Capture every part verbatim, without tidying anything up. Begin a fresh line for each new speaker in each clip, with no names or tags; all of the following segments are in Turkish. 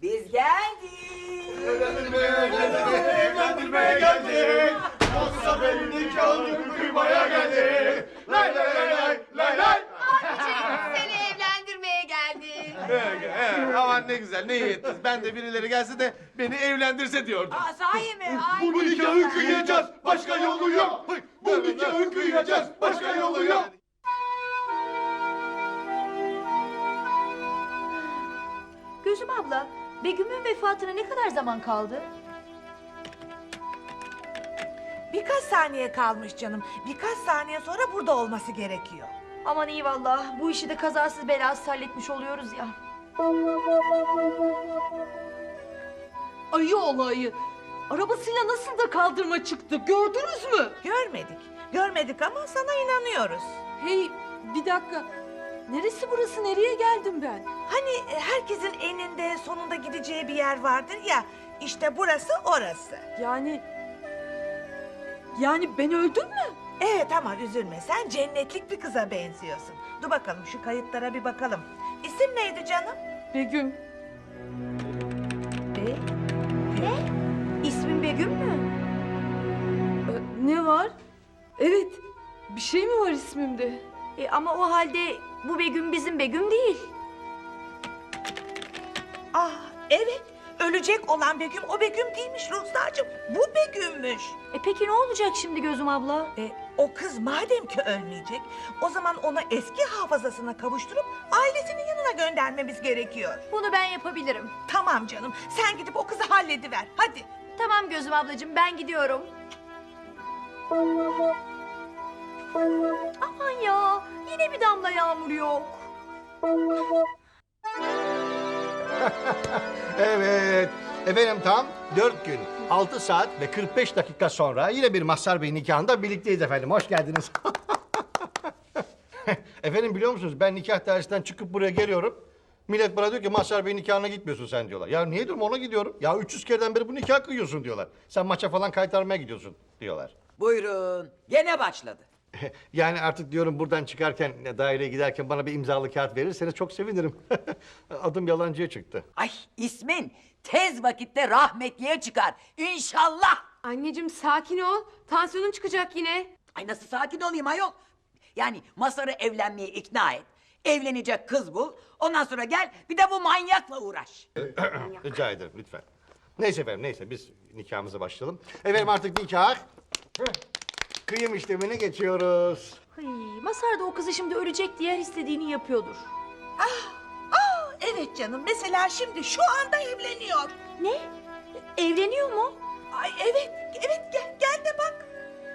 Biz geldik.
Evlendirmeye, evlendirmeye, evlendirmeye geldik. Yoksa benim nikahımı kıymaya geldik. Lay lay lay lay lay lay.
Abiciğim seni evlendirmeye geldim.
Ee, e, aman ne güzel, ne iyi ettiniz. Ben de birileri gelse de beni evlendirse diyordum.
Aa, sahi mi? Ay.
Bu nikahı kıyacağız, başka yolu yok. Bu nikahı kıyacağız, başka yolu yok.
Gözüm abla, Begüm'ün vefatına ne kadar zaman kaldı?
Birkaç saniye kalmış canım. Birkaç saniye sonra burada olması gerekiyor.
Aman iyi vallah, bu işi de kazasız belasız halletmiş oluyoruz ya.
Ayı olayı. Arabasıyla nasıl da kaldırıma çıktı gördünüz mü?
Görmedik. Görmedik ama sana inanıyoruz.
Hey bir dakika. Neresi burası, nereye geldim ben?
Hani e, herkesin eninde sonunda gideceği bir yer vardır ya. İşte burası orası.
Yani... Yani ben öldüm mü?
Evet ama üzülme, sen cennetlik bir kıza benziyorsun. Dur bakalım şu kayıtlara bir bakalım. İsim neydi canım?
Begüm.
Be? Ne? İsmin Begüm mü?
Ee, ne var? Evet. Bir şey mi var ismimde?
E, ama o halde bu Begüm bizim Begüm değil.
Ah evet, ölecek olan Begüm o Begüm değilmiş Ruhsar'cığım. Bu Begüm'müş.
E peki ne olacak şimdi Gözüm abla?
E, o kız madem ki ölmeyecek, o zaman onu eski hafızasına kavuşturup ailesinin yanına göndermemiz gerekiyor.
Bunu ben yapabilirim.
Tamam canım, sen gidip o kızı hallediver, hadi.
Tamam Gözüm ablacığım, ben gidiyorum. Aman ya, yine bir damla yağmur yok.
Evet. Efendim tam dört gün, altı saat ve kırk beş dakika sonra yine bir Mazhar Bey nikahında birlikteyiz efendim. Hoş geldiniz. Efendim biliyor musunuz ben nikah dairesinden çıkıp buraya geliyorum. Millet bana diyor ki Mazhar Bey nikahına gitmiyorsun sen diyorlar. Ya niye diyorum ona gidiyorum. Ya üç yüz kereden beri bu nikah kıyıyorsun diyorlar. Sen maça falan kaytarmaya gidiyorsun diyorlar.
Buyurun, gene başladı.
Yani artık diyorum buradan çıkarken daireye giderken bana bir imzalı kağıt verirseniz çok sevinirim. Adım yalancıya çıktı.
Ay ismin tez vakitte rahmetliye çıkar, İnşallah.
Anneciğim sakin ol. Tansiyonun çıkacak yine.
Ay nasıl sakin olayım ayol? Yani Masar'ı evlenmeye ikna et. Evlenecek kız bul. Ondan sonra gel bir de bu manyakla uğraş.
Rica ederim lütfen. Neyse efendim neyse biz nikahımıza başlayalım. Efendim artık nikah. Kıyım işlemine geçiyoruz.
Hıy, Mazhar da o kızı şimdi ölecek diye her istediğini yapıyordur.
Aa, evet canım, mesela şimdi şu anda evleniyor.
Ne? Evleniyor mu?
Ay evet, evet gel, gel de bak.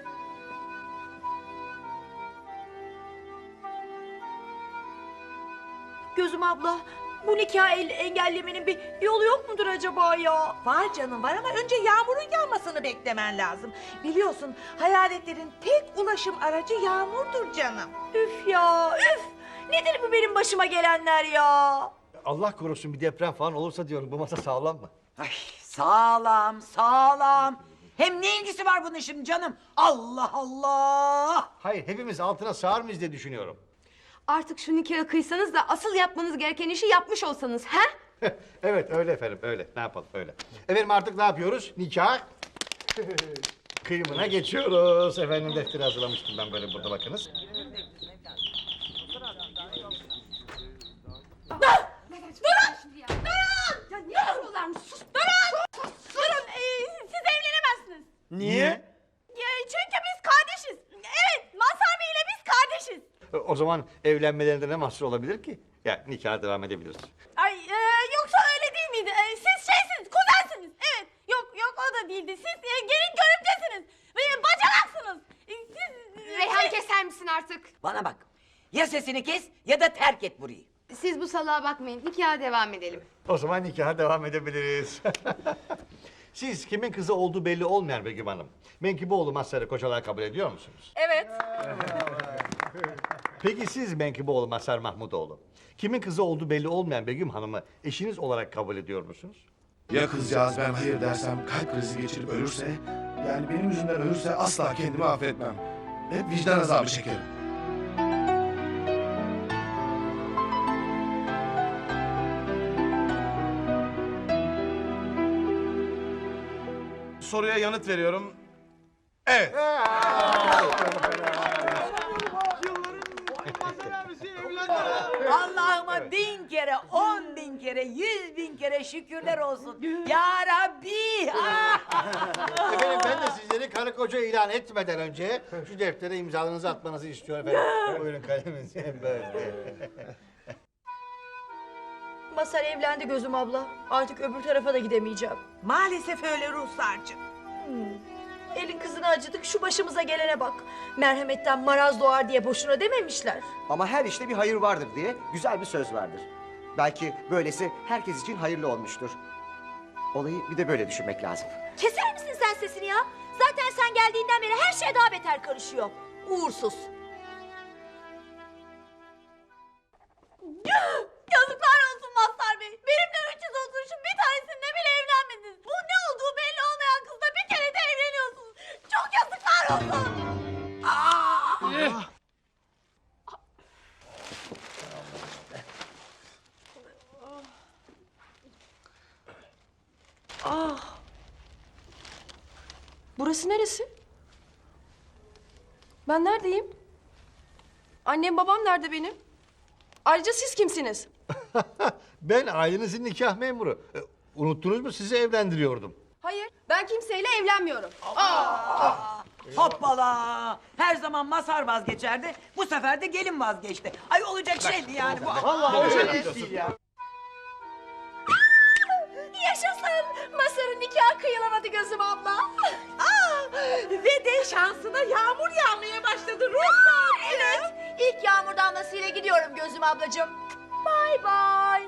Gözüm abla, bu nikahı el- engellemenin bir yolu yok mudur acaba ya?
Var canım var ama önce yağmurun yağmasını beklemen lazım. Biliyorsun hayaletlerin tek ulaşım aracı yağmurdur canım.
Üf ya, üf! Nedir bu benim başıma gelenler ya?
Allah korusun bir deprem falan olursa diyorum bu masa sağlam mı?
Ay sağlam sağlam. Hem ne ilgisi var bunun şimdi canım? Allah Allah.
Hayır hepimiz altına sığar mıyız diye düşünüyorum.
Artık şu nikahı kıysanız da asıl yapmanız gereken işi yapmış olsanız ha?
Evet öyle efendim öyle ne yapalım öyle. Efendim artık ne yapıyoruz? Nikah kıyımına geçiyoruz. Efendim defteri hazırlamıştım ben böyle burada bakınız.
Ya ne vuruyorlarmış? Sus! Durun! Durun! Ee, siz evlenemezsiniz.
Niye?
Ya, çünkü biz kardeşiz. Evet, Mazhar Bey ile biz kardeşiz.
O zaman evlenmelerinde ne mahsur olabilir ki? Ya nikaha devam edebiliriz.
Ay e, yoksa öyle değil miydi? E, siz şeysiniz, kuzensiniz. Evet, yok yok o da değildi. Siz e, gelin görümcesiniz. Ve bacanaksınız. E, siz... e,
Reyhan
şey-
keser misin artık?
Bana bak. Ya sesini kes ya da terk et burayı.
Siz bu salağa bakmayın. Nikaha devam edelim.
O zaman nikaha devam edebiliriz. Siz kimin kızı olduğu belli olmayan Begüm Hanım, Menkiboğlu Mazhar'ı kocalar kabul ediyor musunuz?
Evet.
Peki siz Menkiboğlu Mazhar Mahmudoğlu, kimin kızı olduğu belli olmayan Begüm Hanım'ı eşiniz olarak kabul ediyor musunuz?
Ya kızcağız ben hayır dersem kalp krizi geçirip ölürse, yani benim yüzümden ölürse asla kendimi affetmem. Hep vicdan azabı çekerim.
soruya yanıt veriyorum. Evet.
Allah'ıma bin kere, on bin kere, yüz bin kere şükürler olsun. Ya Rabbi! Ah!
Efendim ben de sizleri karı koca ilan etmeden önce şu deftere imzalarınızı atmanızı istiyorum efendim. Buyurun kaleminizi böyle.
Masar evlendi Gözüm abla. Artık öbür tarafa da gidemeyeceğim.
Maalesef öyle Ruhsar'cığım.
Elin kızına acıdık, şu başımıza gelene bak. Merhametten maraz doğar diye boşuna dememişler.
Ama her işte bir hayır vardır diye güzel bir söz vardır. Belki böylesi herkes için hayırlı olmuştur. Olayı bir de böyle düşünmek lazım.
Keser misin sen sesini ya? Zaten sen geldiğinden beri her şey daha beter karışıyor. Uğursuz.
Yazıklar olsun Mazhar Bey. Benimle üç yüz oturuşun bir tanesinde bile evlenmediniz. Bu ne olduğu belli olmayan kızla bir kere de evleniyorsunuz. Çok yazıklar olsun.
Burası neresi? Ben neredeyim? Annem babam nerede benim? Ayrıca siz kimsiniz?
Ben ailenizin nikah memuru. E, Unuttunuz mu sizi evlendiriyordum.
Hayır, ben kimseyle evlenmiyorum.
Hoppala! Her zaman Mazhar vazgeçerdi, bu sefer de gelin vazgeçti. Ay olacak şeydi yani bu.
Yaşasın! Masar'ın nikahı kıyılamadı Gözüm abla.
Aa, ve de şansına yağmur yağmaya başladı Ruhsar.
Evet, ilk yağmur damlasıyla gidiyorum Gözüm ablacığım. Bay bay.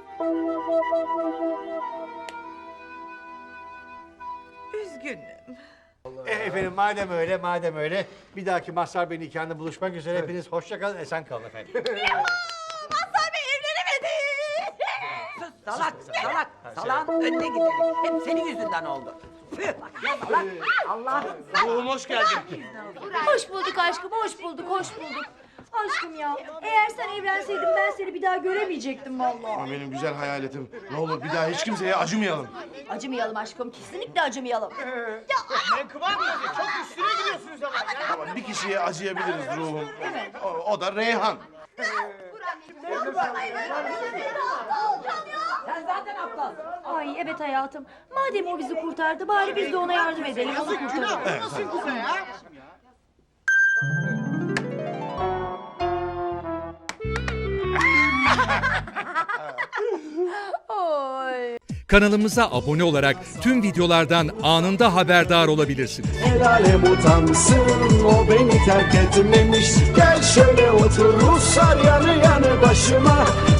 Üzgünüm.
E, efendim madem öyle madem öyle bir dahaki Mazhar Bey nikahında buluşmak üzere hepiniz hoşça kalın esen kalın efendim.
Mazhar Bey evlenemedi.
Sus salak, salak. Salağın önüne gidelim. Hep senin yüzünden oldu. Püh, bak ya salak. Allah'ım.
Ruhum hoş geldin.
Hoş bulduk aşkım, hoş bulduk, hoş bulduk. Aşkım ya, eğer sen evlenseydin ben seni bir daha göremeyecektim vallahi.
Benim güzel hayaletim. Ne olur bir daha hiç kimseye acımayalım.
Acımayalım aşkım, kesinlikle acımayalım.
Ama bir kişiye acıyabiliriz ruhum. O, o da Reyhan.
Sen zaten aptalsın.
Ay evet hayatım, madem o bizi kurtardı bari biz de ona yardım edelim, onu kurtaralım.
Kanalımıza abone olarak tüm videolardan anında haberdar olabilirsiniz.
El alem utansın, o beni terk etmemiş. Gel şöyle otur Ruslar yanı yanı başıma.